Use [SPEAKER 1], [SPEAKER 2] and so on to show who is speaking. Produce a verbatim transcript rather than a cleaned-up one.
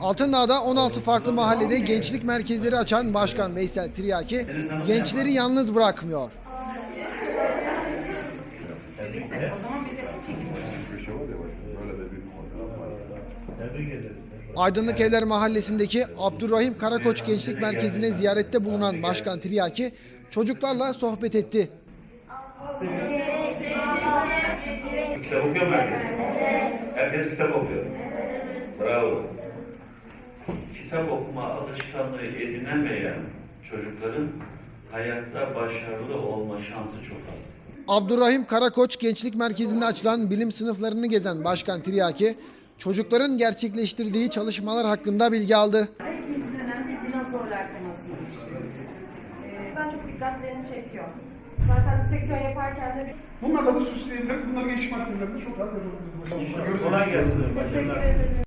[SPEAKER 1] Altındağ'da on altı farklı mahallede gençlik merkezleri açan Başkan Veysel Tiryaki gençleri yalnız bırakmıyor. Aydınlık Evler Mahallesi'ndeki Abdurrahim Karakoç Gençlik Merkezi'ne ziyarette bulunan Başkan Tiryaki çocuklarla sohbet etti.
[SPEAKER 2] Kitap okuyor mu herkes? Herkes kitap okuyor. Bravo. Kitap okuma alışkanlığı edinemeyen çocukların hayatta başarılı olma şansı çok az.
[SPEAKER 1] Abdurrahim Karakoç Gençlik Merkezi'nde açılan bilim sınıflarını gezen Başkan Tiryaki, çocukların gerçekleştirdiği çalışmalar hakkında bilgi aldı.
[SPEAKER 3] İkinci dönem bir dinozorlar temasını işliyoruz. Ee, ben çok dikkatlerini çekiyor. Zaten seksiyon yaparken de bir...
[SPEAKER 4] Bunlarla da süsleyebiliriz. Bunları geçiş makinelerinde çok rahat yapabiliriz.
[SPEAKER 2] Kolay gelsin.
[SPEAKER 3] Teşekkür ederim.